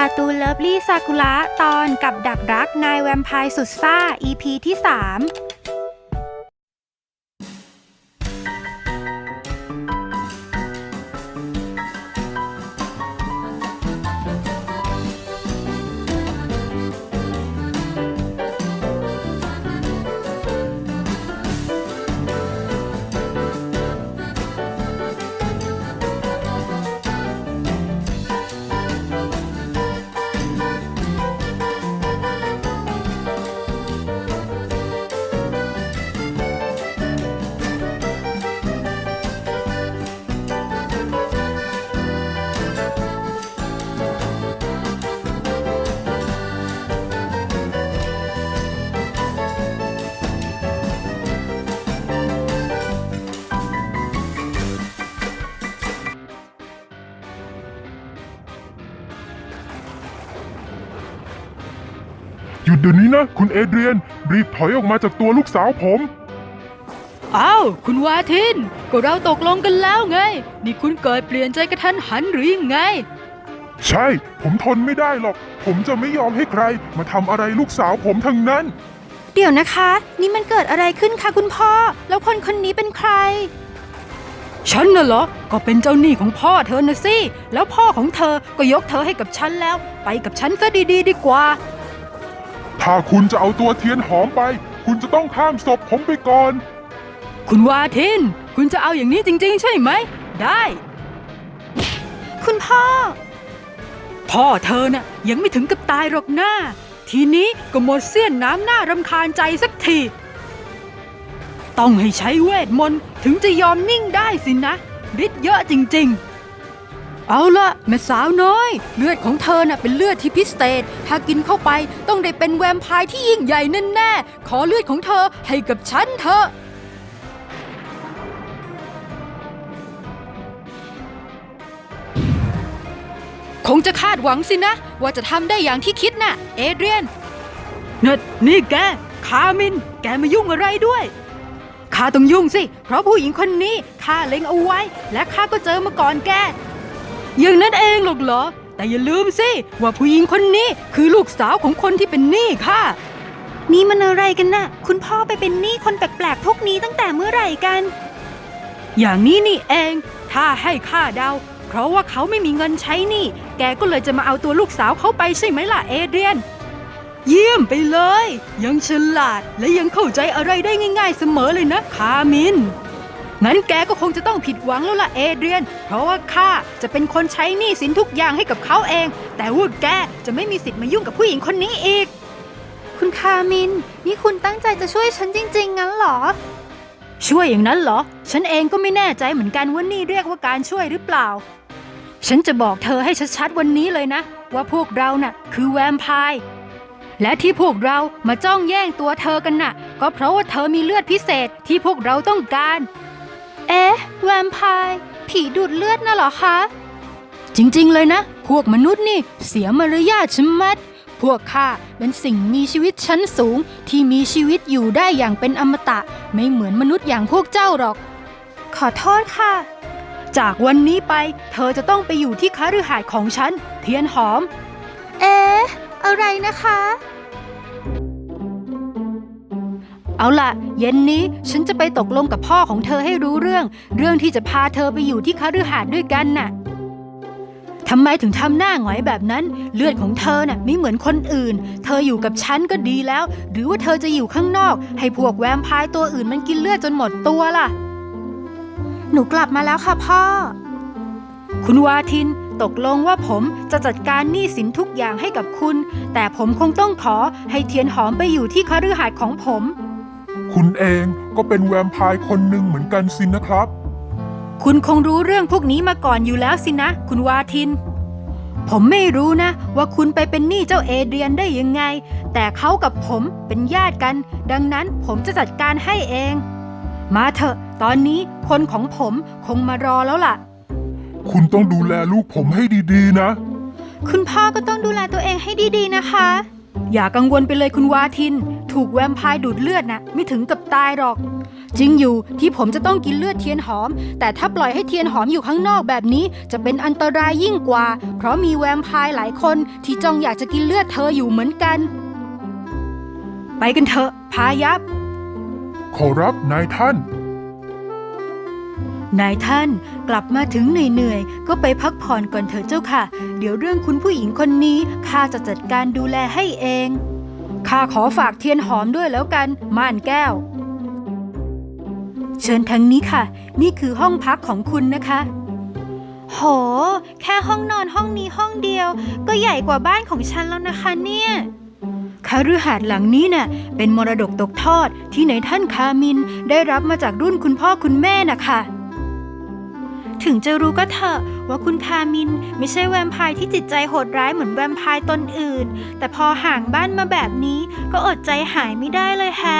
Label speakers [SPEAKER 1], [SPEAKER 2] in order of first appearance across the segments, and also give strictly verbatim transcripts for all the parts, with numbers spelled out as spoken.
[SPEAKER 1] การ์ตูนเลิฟลี่ซากุระตอนกับดักรักนายแวมไพร์สุดซ่า อี พี ที่สาม
[SPEAKER 2] หยุดเดี๋ยวนี้นะคุณเอเดรียนรีบถอยออกมาจากตัวลูกสาวผม
[SPEAKER 3] อ้าวคุณวาทินก็เราตกลงกันแล้วไงนี่คุณเกิดเปลี่ยนใจกระทันหันหรือยังไง
[SPEAKER 2] ใช่ผมทนไม่ได้หรอกผมจะไม่ยอมให้ใครมาทำอะไรลูกสาวผมทั้งนั้น
[SPEAKER 1] เดี๋ยวนะคะนี่มันเกิดอะไรขึ้นคะคุณพ่อแล้วคนคนนี้เป็นใคร
[SPEAKER 3] ฉันน่ะเหรอก็เป็นเจ้าหนี้ของพ่อเธอนะสิแล้วพ่อของเธอก็ยกเธอให้กับฉันแล้วไปกับฉันซะดีๆดีกว่า
[SPEAKER 2] ถ้าคุณจะเอาตัวเทียนหอมไปคุณจะต้องข้ามศพผมไปก่อน
[SPEAKER 3] คุณวาทินคุณจะเอาอย่างนี้จริงๆใช่ไหมได้
[SPEAKER 1] คุณพ่อ
[SPEAKER 3] พ่อเธอน่ะยังไม่ถึงกับตายหรอกหน้าทีนี้ก็หมดเสี้ยนน้ำหน้ารำคาญใจสักทีต้องให้ใช้เวทมนต์ถึงจะยอมนิ่งได้สินะฤทธิ์เยอะจริงๆเอาละแม่สาวน้อยเลือดของเธอน่ะเป็นเลือดที่พิเศษถ้ากินเข้าไปต้องได้เป็นแวมไพร์ที่ยิ่งใหญ่แน่ๆขอเลือดของเธอให้กับฉันเถอะคงจะคาดหวังสินะว่าจะทำได้อย่างที่คิดน่ะเอเดรียนนี่นี่แกคามินแกมายุ่งอะไรด้วยข้าต้องยุ่งสิเพราะผู้หญิงคนนี้ข้าเล็งเอาไว้และข้าก็เจอมาก่อนแกอย่างนั้นเองหรอกเหรอแต่อย่าลืมสิว่าผู้หญิงคนนี้คือลูกสาวของคนที่เป็นหนี้ข้า
[SPEAKER 1] นี่มันอะไรกันน่ะคุณพ่อไปเป็นหนี้คนแปลกๆพวกนี้ตั้งแต่เมื่อไหร่กัน
[SPEAKER 3] อย่างนี้นี่เองถ้าให้ข้าเดาเพราะว่าเขาไม่มีเงินใช้หนี้แกก็เลยจะมาเอาตัวลูกสาวเขาไปใช่ไหมล่ะเอเดรียนเยี่ยมไปเลยยังฉลาดและยังเข้าใจอะไรได้ง่ายๆเสมอเลยนะคามินงั้นแกก็คงจะต้องผิดหวังแล้วล่ะเอเดรียนเพราะว่าข้าจะเป็นคนใช้หนี้สินทุกอย่างให้กับเขาเองแต่ว่าแกจะไม่มีสิทธิ์มายุ่งกับผู้หญิงคนนี้อีก
[SPEAKER 1] คุณคามินนี่คุณตั้งใจจะช่วยฉันจริงๆงั้นเหรอ
[SPEAKER 3] ช่วยอย่างนั้นเหรอฉันเองก็ไม่แน่ใจเหมือนกันว่านี่เรียกว่าการช่วยหรือเปล่าฉันจะบอกเธอให้ชัดๆวันนี้เลยนะว่าพวกเราน่ะคือแวมไพร์และที่พวกเรามาจ้องแย่งตัวเธอกันน่ะก็เพราะว่าเธอมีเลือดพิเศษที่พวกเราต้องการ
[SPEAKER 1] เอ๊ะแวมไพร์ผีดูดเลือดน่ะเหรอคะ
[SPEAKER 3] จริงๆเลยนะพวกมนุษย์นี่เสียมารยาทชะมัดพวกข้าเป็นสิ่งมีชีวิตชั้นสูงที่มีชีวิตอยู่ได้อย่างเป็นอมตะไม่เหมือนมนุษย์อย่างพวกเจ้าหรอก
[SPEAKER 1] ขอโทษค่ะ
[SPEAKER 3] จากวันนี้ไปเธอจะต้องไปอยู่ที่คฤหาสน์ของฉันเทียนหอม
[SPEAKER 1] เอ๊ะอะไรนะคะ
[SPEAKER 3] เอาล่ะเย็นนี้ฉันจะไปตกลงกับพ่อของเธอให้รู้เรื่องเรื่องที่จะพาเธอไปอยู่ที่คฤหาสน์ด้วยกันน่ะทำไมถึงทำหน้าหงอยแบบนั้นเลือดของเธอน่ะไม่เหมือนคนอื่นเธออยู่กับฉันก็ดีแล้วหรือว่าเธอจะอยู่ข้างนอกให้พวกแวมไพร์ตัวอื่นมันกินเลือดจนหมดตัวล่ะ
[SPEAKER 1] หนูกลับมาแล้วค่ะพ่อ
[SPEAKER 3] คุณวาทินตกลงว่าผมจะจัดการหนี้สินทุกอย่างให้กับคุณแต่ผมคงต้องขอให้เทียนหอมไปอยู่ที่คฤหาสน์ของผม
[SPEAKER 2] คุณเองก็เป็นแวมไพร์คนหนึ่งเหมือนกันสินะครับ
[SPEAKER 3] คุณคงรู้เรื่องพวกนี้มาก่อนอยู่แล้วสินะคุณวาทินผมไม่รู้นะว่าคุณไปเป็นหนี้เจ้าเอเดรียนได้ยังไงแต่เขากับผมเป็นญาติกันดังนั้นผมจะจัดการให้เองมาเถอะตอนนี้คนของผมคงมารอแล้วล่ะ
[SPEAKER 2] คุณต้องดูแลลูกผมให้ดีๆนะ
[SPEAKER 1] คุณพ่อก็ต้องดูแลตัวเองให้ดีๆนะคะ
[SPEAKER 3] อย่ากังวลไปเลยคุณวาทินถูกแวมไพร์ดูดเลือดนะไม่ถึงกับตายหรอกจริงอยู่ที่ผมจะต้องกินเลือดเทียนหอมแต่ถ้าปล่อยให้เทียนหอมอยู่ข้างนอกแบบนี้จะเป็นอันตรายยิ่งกว่าเพราะมีแวมไพร์หลายคนที่จ้องอยากจะกินเลือดเธออยู่เหมือนกันไปกันเถอะพายับ
[SPEAKER 2] ขอรับนายท่าน
[SPEAKER 3] นายท่านกลับมาถึงเหนื่อยๆก็ไปพักผ่อนก่อนเถอะเจ้าค่ะเดี๋ยวเรื่องคุณผู้หญิงคนนี้ข้าจะจัดการดูแลให้เองข้าขอฝากเทียนหอมด้วยแล้วกันม่านแก้วเชิญทางนี้ค่ะนี่คือห้องพักของคุณนะคะโหแค่ห้องนอนห้องนี้ห้องเดียวก็ใหญ่กว่าบ้านของฉันแล้วนะคะเนี่ยคฤหาสน์หลังนี้น่ะเป็นมรดกตกทอดที่นายท่านคามินได้รับมาจากรุ่นคุณพ่อคุณแม่น่ะค่ะถึงจะรู้ก็เถอะว่าคุณคามินไม่ใช่แวมไพร์ที่จิตใจโหดร้ายเหมือนแวมไพร์ตนอื่นแต่พอห่างบ้านมาแบบนี้ก็อดใจหายไม่ได้เลยแฮะ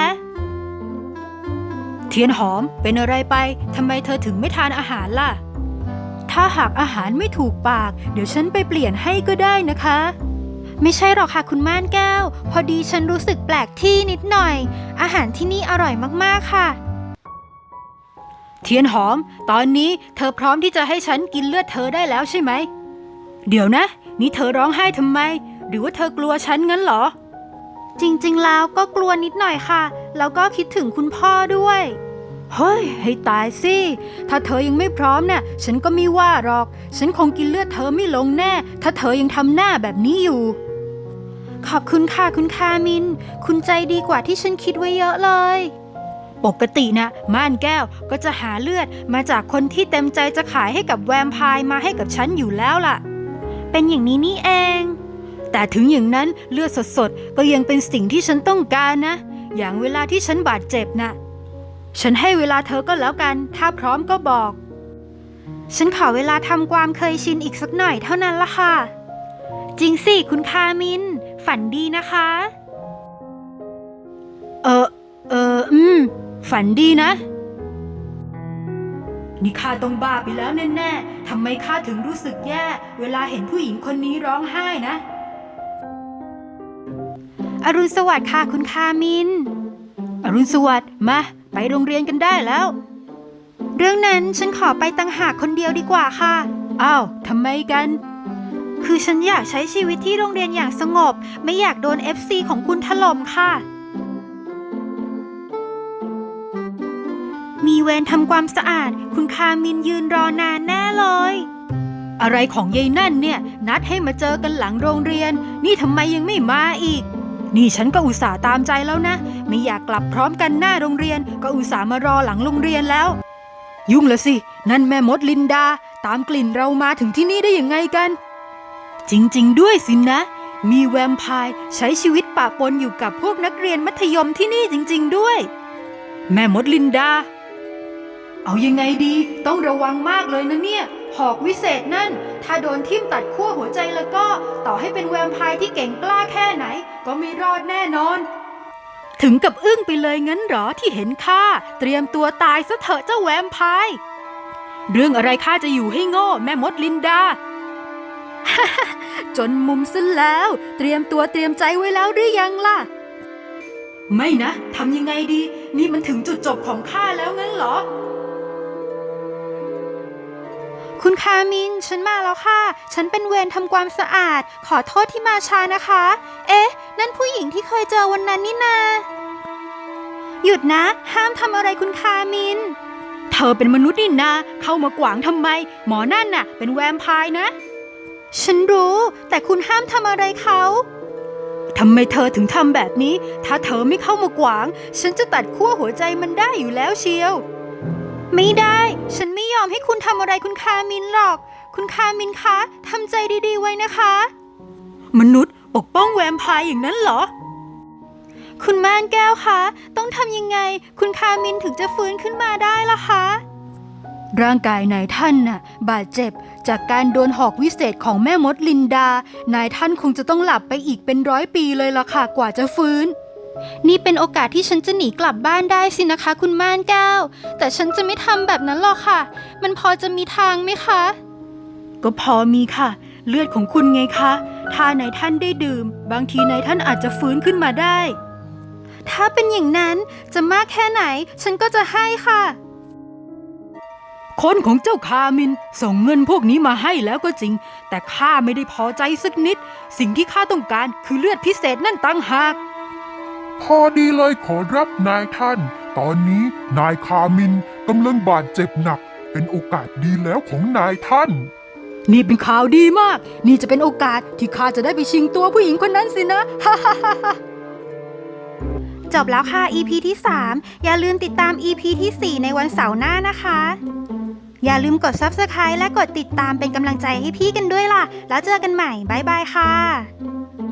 [SPEAKER 3] เทียนหอมเป็นอะไรไปทำไมเธอถึงไม่ทานอาหารล่ะถ้าหากอาหารไม่ถูกปากเดี๋ยวฉันไปเปลี่ยนให้ก็ได้นะคะไม่ใช่หรอกค่ะคุณม่านแก้วพอดีฉันรู้สึกแปลกที่นิดหน่อยอาหารที่นี่อร่อยมากๆค่ะเทียนหอมตอนนี้เธอพร้อมที่จะให้ฉันกินเลือดเธอได้แล้วใช่ไหมเดี๋ยวนะนี่เธอร้องไห้ทำไมหรือว่าเธอกลัวฉันงั้นเหรอจริงๆแล้วก็กลัวนิดหน่อยค่ะแล้วก็คิดถึงคุณพ่อด้วยเฮ้ยให้ตายสิถ้าเธอยังไม่พร้อมเนี่ยฉันก็ไม่ว่าหรอกฉันคงกินเลือดเธอไม่ลงแน่ถ้าเธอยังทำหน้าแบบนี้อยู่ขอบคุณค่ะคุณคามินคุณใจดีกว่าที่ฉันคิดไว้เยอะเลยปกตินะม่านแก้วก็จะหาเลือดมาจากคนที่เต็มใจจะขายให้กับแวมไพร์มาให้กับฉันอยู่แล้วล่ะเป็นอย่างนี้นี่เองแต่ถึงอย่างนั้นเลือดสดๆก็ยังเป็นสิ่งที่ฉันต้องการนะอย่างเวลาที่ฉันบาดเจ็บนะฉันให้เวลาเธอก็แล้วกันถ้าพร้อมก็บอกฉันขอเวลาทำความเคยชินอีกสักหน่อยเท่านั้นละค่ะจริงสิคุณคามินฝันดีนะคะเออเอออืมฝันดีนะนี่ข้าต้องบ้าไปแล้วแน่ๆทำไมข้าถึงรู้สึกแย่เวลาเห็นผู้หญิงคนนี้ร้องไห้นะอรุณสวัสดิ์ค่ะคุณคามินอรุณสวัสดิ์มาไปโรงเรียนกันได้แล้วเรื่องนั้นฉันขอไปต่างหากคนเดียวดีกว่าค่ะอ้าวทำไมกันคือฉันอยากใช้ชีวิตที่โรงเรียนอย่างสงบไม่อยากโดน เอฟ ซี ของคุณถล่มค่ะมีเวรทำความสะอาดคุณคามินยืนรอนานแน่เลยอะไรของยายนั่นเนี่ยนัดให้มาเจอกันหลังโรงเรียนนี่ทำไมยังไม่มาอีกนี่ฉันก็อุตส่าห์ตามใจแล้วนะไม่อยากกลับพร้อมกันหน้าโรงเรียนก็อุตส่าห์มารอหลังโรงเรียนแล้วยุ่งละสินั่นแม่มดลินดาตามกลิ่นเรามาถึงที่นี่ได้ยังไงกันจริงๆด้วยสินะมีแวมไพร์ใช้ชีวิตปะปนอยู่กับพวกนักเรียนมัธยมที่นี่จริงๆด้วยแม่มดลินดาเอายังไงดีต้องระวังมากเลยนะเนี่ยหอกวิเศษนั่นถ้าโดนทิ่มตัดขั้วหัวใจแล้วก็ต่อให้เป็นแวมไพร์ที่เก่งกล้าแค่ไหนก็ไม่รอดแน่นอนถึงกับอึ้งไปเลยงั้นหรอที่เห็นข้าเตรียมตัวตายซะเถอะเจ้าแวมไพร์เรื่องอะไรข้าจะอยู่ให้โง่แม่มดลินดา จนมุมซะแล้วเตรียมตัวเตรียมใจไว้แล้วหรือยังล่ะไม่นะทำยังไงดีนี่มันถึงจุดจบของข้าแล้วงั้นเหรอคุณคามินฉันมาแล้วค่ะฉันเป็นเวรทำความสะอาดขอโทษที่มาช้านะคะเอ๊ะนั่นผู้หญิงที่เคยเจอวันนั้นนี่นาหยุดนะห้ามทำอะไรคุณคามินเธอเป็นมนุษย์นี่นาเข้ามากวางทำไมหมอนั่นน่ะเป็นแวมไพร์นะฉันรู้แต่คุณห้ามทำอะไรเขาทำไมเธอถึงทำแบบนี้ถ้าเธอไม่เข้ามากวางฉันจะตัดขั้วหัวใจมันได้อยู่แล้วเชียวไม่ได้ฉันไม่ยอมให้คุณทำอะไรคุณคามินหรอกคุณคามินคะทำใจดีๆไว้นะคะมนุษย์ปกป้องแวมไพร์อย่างนั้นเหรอคุณม่านแก้วคะต้องทำยังไงคุณคามินถึงจะฟื้นขึ้นมาได้ล่ะคะร่างกายนายท่านน่ะบาดเจ็บจากการโดนหอกวิเศษของแม่มดลินดานายท่านคงจะต้องหลับไปอีกเป็นร้อยปีเลยล่ะค่ะกว่าจะฟื้นนี่เป็นโอกาสที่ฉันจะหนีกลับบ้านได้สินะคะคุณม่านแก้วแต่ฉันจะไม่ทำแบบนั้นหรอกค่ะมันพอจะมีทางไหมคะก็พอมีค่ะเลือดของคุณไงคะถ้านายท่านได้ดื่มบางทีนายท่านอาจจะฟื้นขึ้นมาได้
[SPEAKER 1] ถ้าเป็นอย่างนั้นจะมากแค่ไหนฉันก็จะให้ค่ะ
[SPEAKER 3] คนของเจ้าคามินส่งเงินพวกนี้มาให้แล้วก็จริงแต่ข้าไม่ได้พอใจสักนิดสิ่งที่ข้าต้องการคือเลือดพิเศษนั่นต่างหาก
[SPEAKER 2] พอดีเลยขอรับนายท่าน ตอนนี้นายคามินกำลังบาดเจ็บหนัก เป็นโอกาสดีแล้วของนายท่าน
[SPEAKER 3] นี่เป็นข่าวดีมากนี่จะเป็นโอกาสที่ข้าจะได้ไปชิงตัวผู้หญิงคนนั้นสินะ ฮ่าฮ่าฮ่า
[SPEAKER 1] จบแล้วค่ะ อี พี ที่ สาม อย่าลืมติดตาม อี พี ที่ สี่ ในวันเสาร์หน้านะคะ อย่าลืมกด ซับสไครบ์ และกดติดตามเป็นกำลังใจให้พี่กันด้วยล่ะ แล้วเจอกันใหม่ บ๊ายบายค่ะ